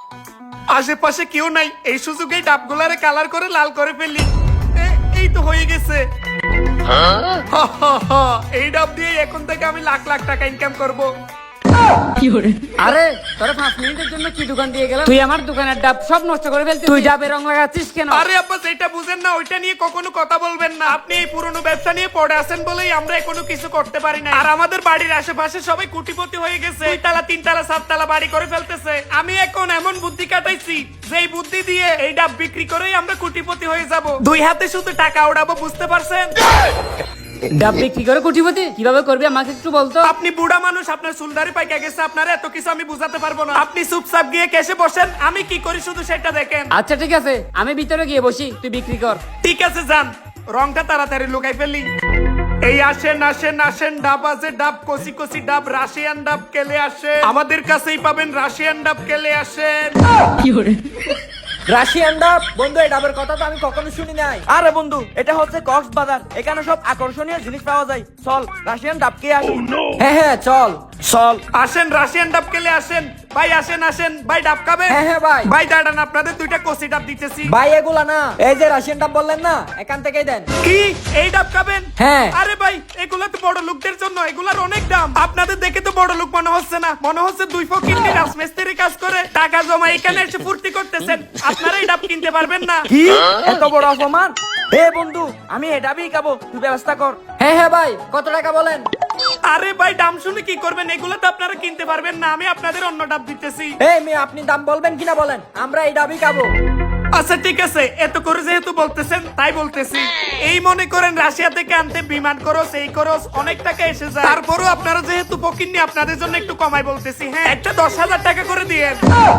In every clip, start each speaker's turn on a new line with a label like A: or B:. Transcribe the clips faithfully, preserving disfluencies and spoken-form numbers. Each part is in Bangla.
A: আশেপাশে কেউ নাই, এই সুযোগে ডাবগুলারে কালার করে লাল করে ফেলি। এ- এই তো হয়ে গেছে। হা, হা, হা, এই ডাব দিয়ে এখন থেকে আমি লাখ লাখ টাকা ইনকাম করব।
B: আরে তোরা পাঁচ মিনিটের জন্য কি দোকান দিয়ে গেলাম, তুই আমার দোকানের ডাব সব নষ্ট করে ফেলছিস। তুই ডাবের রং লাগাচ্ছিস কেন?
A: আরে আব্বা, যেটা বুঝেন না ওইটা নিয়ে কখনো কথা বলবেন না। আপনি এই পুরনো ব্যবসা নিয়ে পড়ে আছেন বলেই আমরা কোনো কিছু করতে পারি না। আর আমাদের বাড়ির আশেপাশে সবাই কোটিপতি হয়ে গেছে, দুই তালা তিন তালা সাত তালা বাড়ি করে ফেলতেছে। আমি এখন এমন বুদ্ধি কাটাইছি যে এই বুদ্ধি দিয়ে এই ডাব বিক্রি করেই আমরা কোটিপতি হয়ে যাব। দুই হাতে শুধু টাকা উড়াবো, বুঝতে পারছেন?
B: ডাব বিক্রি করে কোটিপতি কিভাবে করবি আমাকে একটু বলতো।
A: আপনি বুড়া মানুষ, আপনার চুলদারি পাইকা গেছে, আপনার এত কিছু আমি বুঝাতে পারবো না। আপনি চুপচাপ গিয়ে কেসে বসেন, আমি কি করি শুধু সেটা দেখেন।
B: আচ্ছা ঠিক আছে, আমি ভিতরে গিয়ে বসি, তুই বিক্রি কর।
A: ঠিক আছে যান, রংটা তাড়াতাড়ি লুকাই ফেলি। এই আসেন আসেন আসেন, ডাব আছে, ডাব কচি কচি ডাব, রাশিয়ান ডাব কেলে আসেন। আমাদের কাছেই পাবেন রাশিয়ান ডাব, কেলে আসেন।
C: রাশিয়ান ডাব? বন্ধু, এই ডাবের কথা তো আমি কখনো শুনি নাই। আরে বন্ধু, এটা হচ্ছে কক্সবাজার, এখানে সব আকর্ষণীয় জিনিস পাওয়া যায়। চল রাশিয়ান ডাব কে আসি। হ্যাঁ হ্যাঁ চল চল।
A: আসেন রাশিয়ান ডাব কেলে আসেন। ভাই আসেন আসেন, ভাই ডাব খাবে?
C: হ্যাঁ হ্যাঁ ভাই।
A: ভাই দাঁড়ান, আপনাদের দুইটা কচি ডাব দিতেছি।
C: ভাই এগুলা না, এই যে রাশিয়ান ডাব বললেন না, এখান থেকেই দেন।
A: কি এই ডাব খাবেন?
C: হ্যাঁ।
A: আরে ভাই, এগুলা তো বড় লোকদের জন্য, এগুলার অনেক দাম। আপনাদের দেখে তো বড় লোক মনে হচ্ছে না, মনে হচ্ছে দুই ফকিন্নি রাজমিস্ত্রি কাজ করে টাকা জমা এখানে এসে ফুর্তি করতেছেন। আপনারা এই ডাব কিনতে পারবেন না।
C: কি এত বড় অপমান! এ বন্ধু, আমি এই ডাবই খাবো, তুই ব্যবস্থা কর। হ্যাঁ হ্যাঁ ভাই, কত টাকা বলেন?
A: আরে ভাই, দাম শুনে কি করবেন? এগুলো তো আপনারা কিনতে পারবেন না, আমি আপনাদের অন্য ডাব দিতেছি।
C: এই মেয়ে, আপনি দাম বলবেন কিনা বলেন, আমরা এই ডাবই খাবো।
A: আচ্ছা ঠিক আছে, এত করে যেহেতু বলতেছেন তাই বলতেছি। এই মনে করেন রাশিয়া থেকে আনতে বিমান খরচ, এই খরচ অনেক টাকা এসে যায়। তারপরও আপনারা যেহেতু ফকিন্নি, আপনাদের জন্য একটু কমাই বলতেছি। হ্যাঁ, একটা দশ হাজার টাকা করে দিয়ে।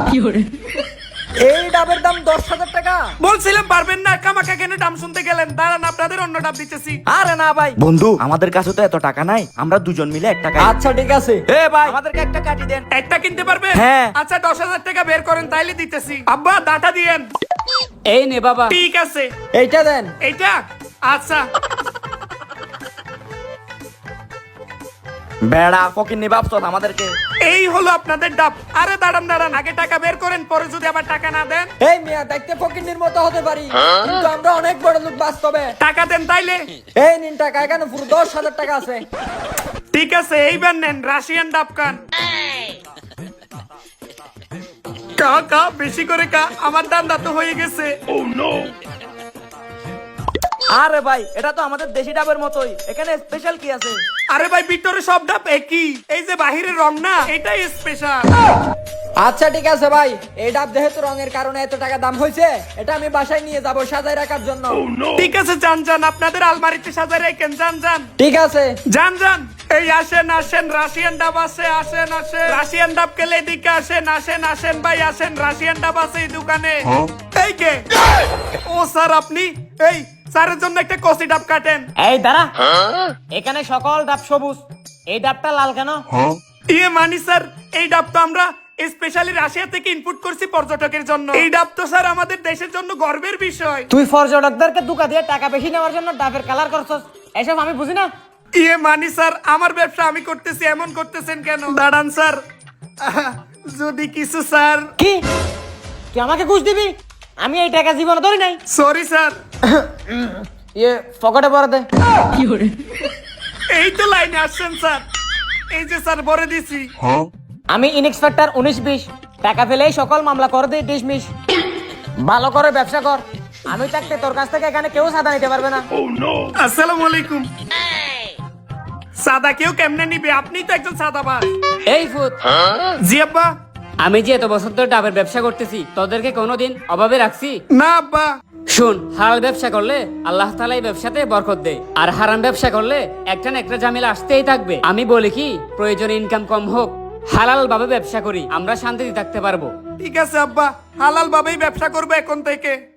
C: এই ডাবের দাম দশ হাজার টাকা?
A: বলছিলাম পারবেন না, কামাকা কেন দাম শুনতে গেলেন? দাঁড়ান, আপনাদের অন্য ডাব দিতেছি।
C: আরে না ভাই বন্ধু, আমাদের কাছে তো এত টাকা নাই, আমরা দুজন মিলে এক টাকা। আচ্ছা ঠিক আছে। এ ভাই, আমাদেরকে একটা কাটি দেন।
A: একটা কিনতে পারবেন?
C: হ্যাঁ।
A: আচ্ছা দশ হাজার টাকা বের করেন, তাইলে দিতেছি। আব্বা দাটা দিয়েন।
B: এই নে বাবা।
A: ঠিক আছে,
C: এইটা দেন।
A: এইটা? আচ্ছা।
C: বেড়া ফকির নিবাব চল আমাদেরকে।
A: এই হলো আপনাদের ডাব। আরে দাঁড়ান দাঁড়ান, আগে টাকা বের করেন, পরে যদি আবার টাকা না দেন।
C: এই মিয়া, দেখতে ফকিন্নির মতো হতে পারি, কিন্তু আমরা অনেক বড় লোক বাস্তবে।
A: টাকা দেন তাইলে।
C: এই নিন টাকা, এখানে পুরো দশ হাজার টাকা আছে।
A: ঠিক আছে, এইবার নেন রাশিয়ান ডাব খান। কা কা বেশি করে কা, আমার দান্দা তো হয়ে গেছে।
C: আরে ভাই, এটা তো আমাদের দেশি ডাবের মতোই, এখানে স্পেশাল কি আছে?
A: আরে ভাই, ভিতরে সব ডাব একই, এই যে বাহিরের রং না, এটাই স্পেশাল।
C: আচ্ছা ঠিক আছে ভাই, এই ডাব যেহেতু রঙের কারণে এত টাকা দাম হয়েছে, এটা আমি বাসায় নিয়ে যাব সাজায় রাখার জন্য।
A: ঠিক আছে, যান যান, আপনাদের আলমারিতে সাজায় রাখেন, যান যান।
C: ঠিক আছে।
A: যান যান। এই আসেন আসেন, রাশিয়ান ডাব আছে, আসেন আসেন। রাশিয়ান ডাব কেলে এদিকে আসেন, আসেন আসেন ভাই আসেন, রাশিয়ান ডাব আছে এই দোকানে। এই কে? ও স্যার, আপনি? এই স্যারের জন্য একটা কচি ডাব কাটেন।
D: এই দাঁড়া, এখানে সকল ডাব সবুজ, এই ডাবটা লাল কেন?
A: ইয়ে মানি স্যার, এই ডাব তো আমরা স্পেশালি রাশিয়া থেকে ইনপুট করছি পর্যটকের জন্য। এই ডাব তো স্যার আমাদের দেশের জন্য গর্বের বিষয়।
D: তুই পর্যটকদেরকে দুকা দিয়ে টাকা বেশি নেওয়ার জন্য ডাবের কালার করছস, এসব আমি বুঝি না।
A: ইয়ে মানি স্যার, আমার ব্যবসা আমি করতেছি, এমন করতেছেন কেন? দাঁড়ান স্যার, আহ, যদি কিছু স্যার।
D: কি তুই আমাকে ঘুষ দিবি? আমি এই টাকা জীবনে ধরি নাই।
A: Sorry sir.
D: ইয়ে পকেটে ভরে দে।
A: এই তো লাইনে আসছেন স্যার, এই যে স্যার ভরে দিছি।
D: আমি ইনস্পেক্টর উনিশ বিশ, টাকা পেলেই সকল মামলা করে দিই ডিসমিস। ভালো করে ব্যবসা কর, আমি থাকতে তোর কাছ থেকে এখানে কেউ সাদা নিতে পারবে না।
A: আসসালামু আলাইকুম। সাদা কেউ কেমনে নিবে? আপনি তো একজন সাদাবাজ।
B: এই ফুট,
A: জি আব্বা।
B: আমি যে এত বছর ধরে ডাবের ব্যবসা করতেছি, তোদেরকে কোনোদিন অভাবে রাখছি?
A: না আব্বা।
B: শুন, হালাল ব্যবসা করলে আল্লাহ তাআলা এই ব্যবসাতে বরকত দেয়, আর হারাম ব্যবসা করলে একটা না একটা ঝামেলা আসতেই থাকবে। আমি বলি কি, প্রয়োজনে ইনকাম কম হোক, হালাল ভাবে ব্যবসা করি, আমরা শান্তিতে থাকতে পারবো।
A: ঠিক আছে আব্বা, হালাল ভাবেই ব্যবসা করবো এখন থেকে।